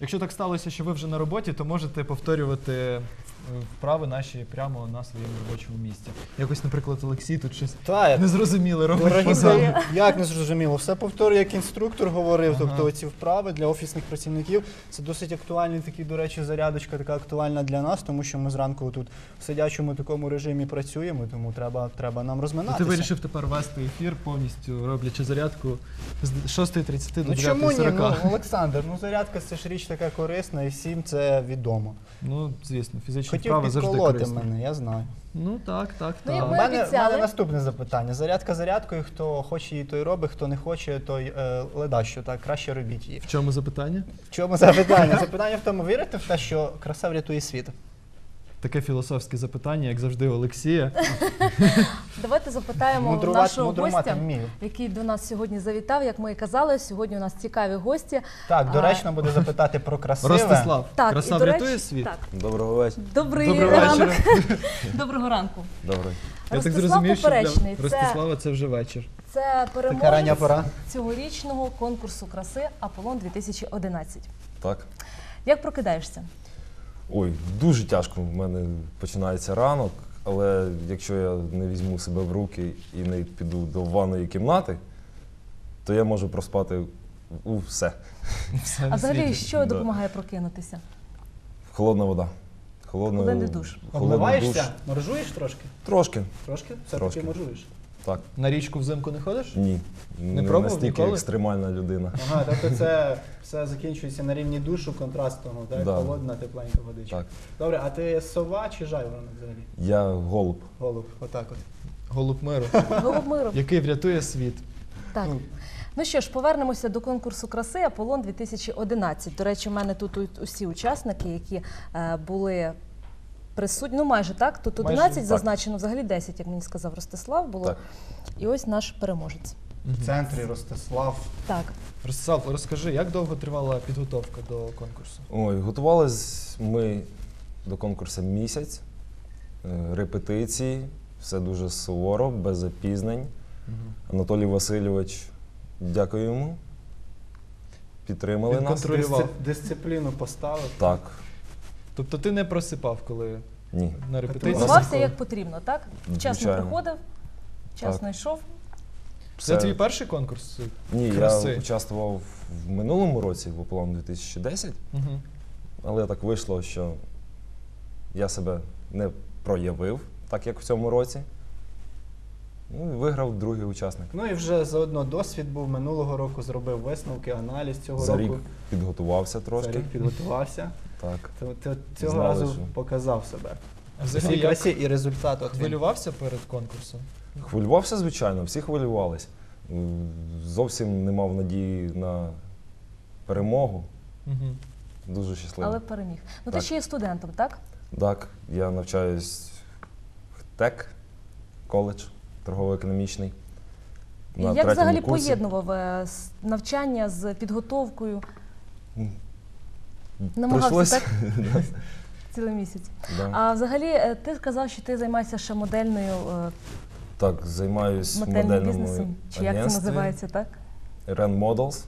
Якщо так сталося, що ви вже на роботі, то можете повторювати вправи наші прямо на своєму робочому місці. Якось, наприклад, Олексій тут щось незрозуміле робить позаду. Як незрозуміло? Все повторюю, як інструктор говорив, тобто ці вправи для офісних працівників. Це досить актуальний такий, до речі, зарядочка така актуальна для нас, тому що ми зранку тут в сидячому такому режимі працюємо, тому треба нам розминатися. Ти вирішив тепер вести ефір, повністю роблячи зарядку з 6:30 до 9:40. Чому ні? Олександр, зарядка – це ж річ така корисна і всім це відомо. Звісно, фізичні Хотів вправи завжди підколоти корисні. мене, я знаю. Так. як У ми мене обіцяли. наступне запитання. Зарядка зарядкою, хто хоче її, той робить, хто не хоче, той ледащо, так, краще робіть її. В чому запитання? В чому запитання? Запитання в тому, вірите в те, що краса врятує світ? Таке філософське запитання, як завжди, у Олексія. Давайте запитаємо нашого мудрувати гостя, вмію. який до нас сьогодні завітав. Як ми і казали, сьогодні у нас цікаві гості. Так, доречно буде запитати про красиве. Ростислав, Так, краса і, до врятує речі, світ? Так. Доброго вечора. Доброго вечора. Доброго ранку. Добрий. Я так Ростислав зрозумів, що для Поперечний. Ростислава це вже вечір. Це Така рання пора. переможець цьогорічного конкурсу краси «Аполлон-2011». Так. Як прокидаєшся? Ой, дуже тяжко в мене починається ранок, але якщо я не візьму себе в руки і не піду до ванної кімнати, то я можу проспати все. А взагалі, що допомагає прокинутися? Холодна вода. Холодний душ. Обмиваєшся? Моржуєш трошки? Трошки. Трошки? Трошки. Все-таки моржуєш? Так. На річку взимку не ходиш? Ні. Не пробував настільки ніколи? екстремальна людина. Ага, тобто це все закінчується на рівні душу контрастного, так? Да. Холодна, тепленька водичка. Так. Добре, а ти сова чи жайворонок взагалі? Я голуб. Голуб, отак от. Голуб миру, Голуб миру. який врятує світ. Так. Ну що ж, повернемося до конкурсу краси «Аполлон-2011». До речі, в мене тут усі учасники, які були присутні, майже так, тут 11 так. зазначено, взагалі 10, як мені сказав Ростислав, було. Так. І ось наш переможець. В центрі Ростислав. Так. Ростислав, розкажи, як довго тривала підготовка до конкурсу? Ой, готувались ми до конкурсу місяць, репетиції, все дуже суворо, без запізнень. Анатолій Васильович, дякую йому, підтримали Він нас. контролював. Дисципліну поставив. Так, Тобто ти не просипав, коли ні. на репетиції? Готувався як потрібно, так? Вчасно Звичайно. приходив, вчасно йшов. Це твій перший конкурс Ні, краси? я участвував в минулому році, в Аполлон 2010, Угу. але так вийшло, що я себе не проявив, так як в цьому році. Ну, і виграв другий учасник. Ну і вже заодно досвід був минулого року, зробив висновки, аналіз цього За року. рік підготувався За трошки. рік підготувався. Так. Цього Знали, разу що- показав себе. А В взагалі, усій як красі і результат от він. хвилювався перед конкурсом? Хвилювався, звичайно, всі хвилювались. Зовсім не мав надії на перемогу. Угу. Дуже щасливий. Але переміг. Ну ти Так. ще є студентом, так? Так, я навчаюсь в ТЕК, коледж торгово-економічний. І на як третьому взагалі курсі. поєднував навчання з підготовкою? Намагався, Прийшлось. так? Цілий місяць. Да. А взагалі, ти сказав, що ти займаєшся ще модельною, Так, займаюсь в модельним модельному бізнесом. Чи як це агентстві. називається, так? Ren Models.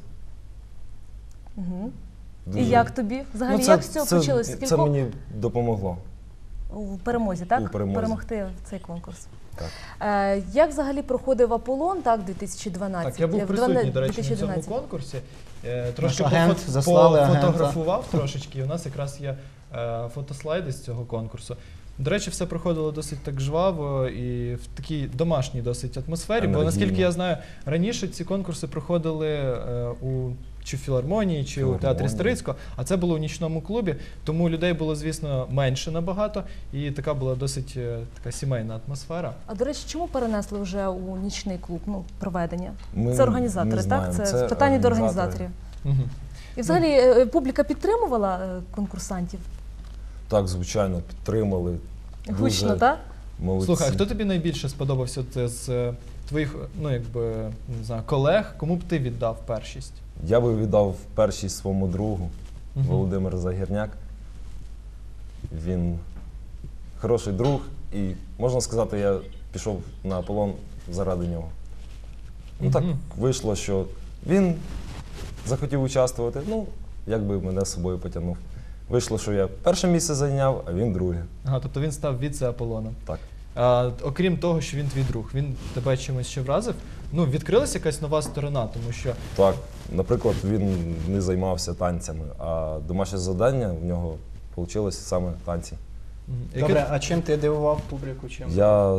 Угу. Дуже- І як тобі? Взагалі, Ну, як з цього почалось? Це Скількох мені допомогло. у перемозі, так? У перемозі. Перемогти в цей конкурс. Так. Як взагалі проходив Аполлон, так, 2012? Так, я був присутній, до речі, на цьому 2011. конкурсі. Трошки Наш агент, пофот- заслали агента. пофотографував трошечки, і у нас якраз є фотослайди з цього конкурсу. До речі, все проходило досить так жваво і в такій домашній досить атмосфері, бо Енергійно. наскільки я знаю, раніше ці конкурси проходили чи в філармонії, чи у театрі Філармонії. Старицького, а це було у нічному клубі, тому людей було, звісно, менше набагато, і така була досить така сімейна атмосфера. А до речі, чому перенесли вже у нічний клуб проведення? Ми Це організатори, не так? знаємо. Це питання до організатори. організаторів. І взагалі публіка підтримувала конкурсантів? Так, звичайно, підтримали. Гучно, Дуже так? молодці. Слухай, а хто тобі найбільше сподобався з твоїх, ну якби, не знаю, колег? Кому б ти віддав першість? Я би віддав першість своєму другу, Мгм. Володимир Загірняк. Він хороший друг і, можна сказати, я пішов на Аполлон заради нього. Ну так Мгм. вийшло, що він захотів участвувати. Ну, як би мене з собою потягнув. Вийшло, що я перше місце зайняв, а він друге. Ага, тобто він став віце-Аполлоном. Так. Окрім того, що він твій друг, він тебе чимось ще вразив? Ну, відкрилася якась нова сторона, тому що Так, наприклад, він не займався танцями, а домашнє завдання в нього вийшло саме танці. Добре, а чим ти дивував публіку? Чим? Я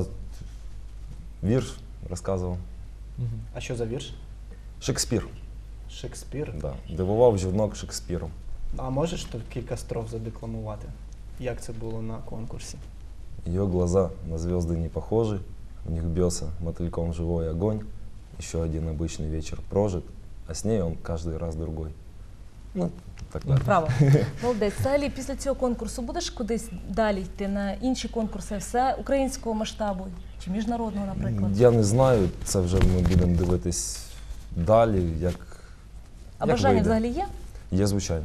вірш розказував. Мгм. А що за вірш? Шекспір. Шекспір. Да. Дивував жінок Шекспіром. А можеш тут кілька строф задекламувати? Як це було на конкурсі? Ее глаза на звезды не похожи, у них бьется мотыльком живой огонь. Еще один обычный вечер прожит, а с ней он каждый раз другой. Ну, так далі. Право. Молодець. Взагалі, після цього конкурсу будеш кудись далі йти на інші конкурси, все українського масштабу чи міжнародного, наприклад? Я не знаю, це вже ми будемо дивитись далі, як А як бажання вийде. взагалі є? Є, звичайно.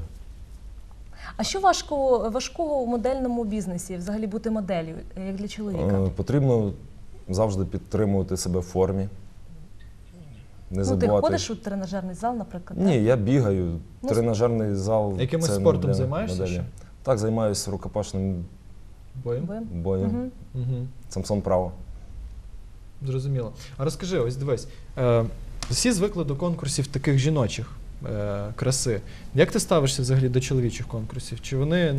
А що важкого у модельному бізнесі, взагалі бути моделлю, як для чоловіка? Потрібно завжди підтримувати себе в формі. Не Ну, ти забувати. ходиш у тренажерний зал, наприклад? Ні, так? я бігаю. Ну, Тренажерний зал. Якимось це не спортом для займаєшся моделі. ще? Так, займаюся рукопашним Боєм? боєм. Мгм. Угу. Самсон право. Зрозуміло. А розкажи, ось дивись, всі звикли до конкурсів таких жіночих краси. Як ти ставишся взагалі до чоловічих конкурсів? Чи вони,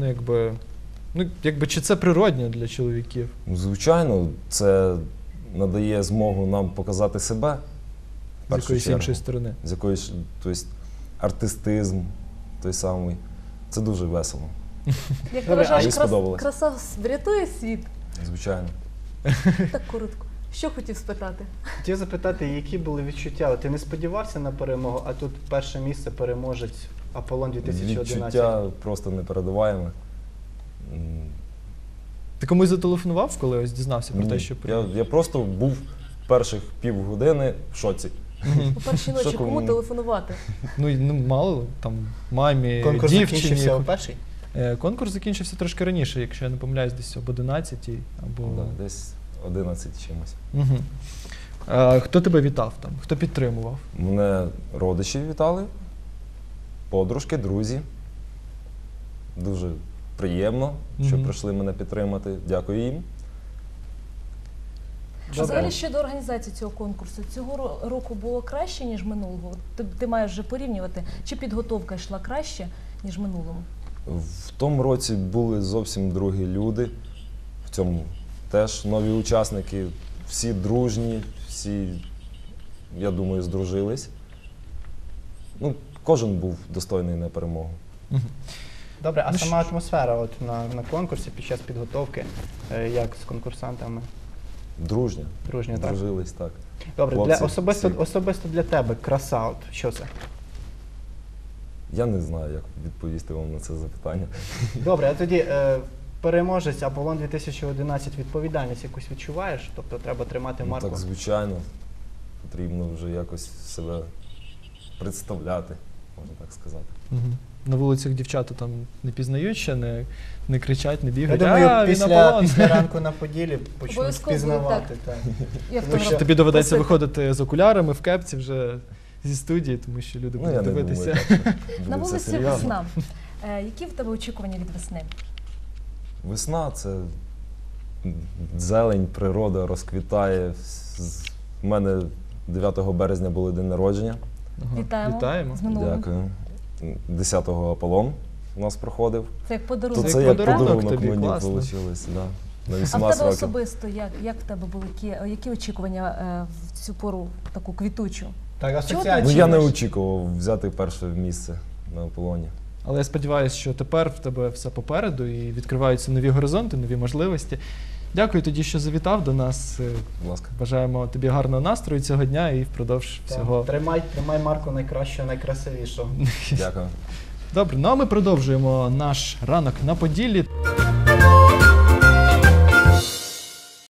чи це природньо для чоловіків? Звичайно, це надає змогу нам показати себе. в З першу якоїсь чергу. іншої сторони? З якоїсь, тобто, артистизм той самий. Це дуже весело, Як Добре, вважаєш, мені сподобалось. краса врятує світ? звичайно. Так коротко. Що хотів спитати? Хотів запитати, які були відчуття? От ти не сподівався на перемогу, а тут перше місце переможець Аполлон 2011. Відчуття просто непередаваєме. Ти комусь зателефонував, коли ось дізнався про те, Ні, що я просто був перших півгодини в шоці. У першій ночі Що кому кому? телефонувати? Ну, мало, там, мамі, Конкурс дівчині. закінчився о першій? Конкурс закінчився трошки раніше, якщо я не помиляюсь, десь об 11 або... Да, десь 11 чимось. Угу. Хто тебе вітав там? Хто підтримував? Мене родичі вітали, подружки, друзі. Дуже приємно, що Мгм. прийшли мене підтримати. Дякую їм. А взагалі щодо організації цього конкурсу, цього року було краще, ніж минулого? Ти маєш вже порівнювати, чи підготовка йшла краще, ніж минулому? В тому році були зовсім другі люди. В цьому теж нові учасники. Всі дружні, всі, я думаю, здружились. Ну, кожен був достойний на перемогу. Мгм. Добре, а Ну, сама атмосфера от на конкурсі під час підготовки, як з конкурсантами? Дружня. Дружньо, так? Дружились, так. Добре, Хлопці, особисто, всі. особисто для тебе краса, от що це? Я не знаю, як відповісти вам на це запитання. Добре, а тоді переможець Аполлон 2011, відповідальність якусь відчуваєш? Тобто треба тримати Ну, марку? так, звичайно, потрібно вже якось себе представляти, можна так сказати. Мгм. На вулицях дівчата там не пізнають ще, не кричать, не Я бігають. думаю, він після Аполлон. ранку на Поділі почнуть Обов'язково впізнавати. Так. І Тому що Тобі доведеться просити. виходити з окулярами в кепці вже зі студії, тому що люди Ну, я будуть не дивитися. думаю, так, що На буде все вулиці серйозно. весна. Які в тебе очікування від весни? Весна – це зелень, природа розквітає. У мене 9 березня було день народження. Ага. Вітаємо. Вітаємо. З минулим. Дякую. 10-го Аполлон у нас проходив. Це як То подарунок. Це це як як подарунок подарунок тобі, мені класно. вийшло. Да. На А в 18 тебе років. особисто, як в тебе були які очікування в цю пору таку квітучу? Так, Чого асоціації. Ну, я не ж. очікував взяти перше місце на Аполлоні. Але я сподіваюся, що тепер в тебе все попереду і відкриваються нові горизонти, нові можливості. Дякую тоді, що завітав до нас. Будь ласка. Бажаємо тобі гарного настрою цього дня і впродовж Так, всього. Тримай марку найкращого, найкрасивішого. Дякую. Добре, ну а ми продовжуємо наш ранок на Поділлі.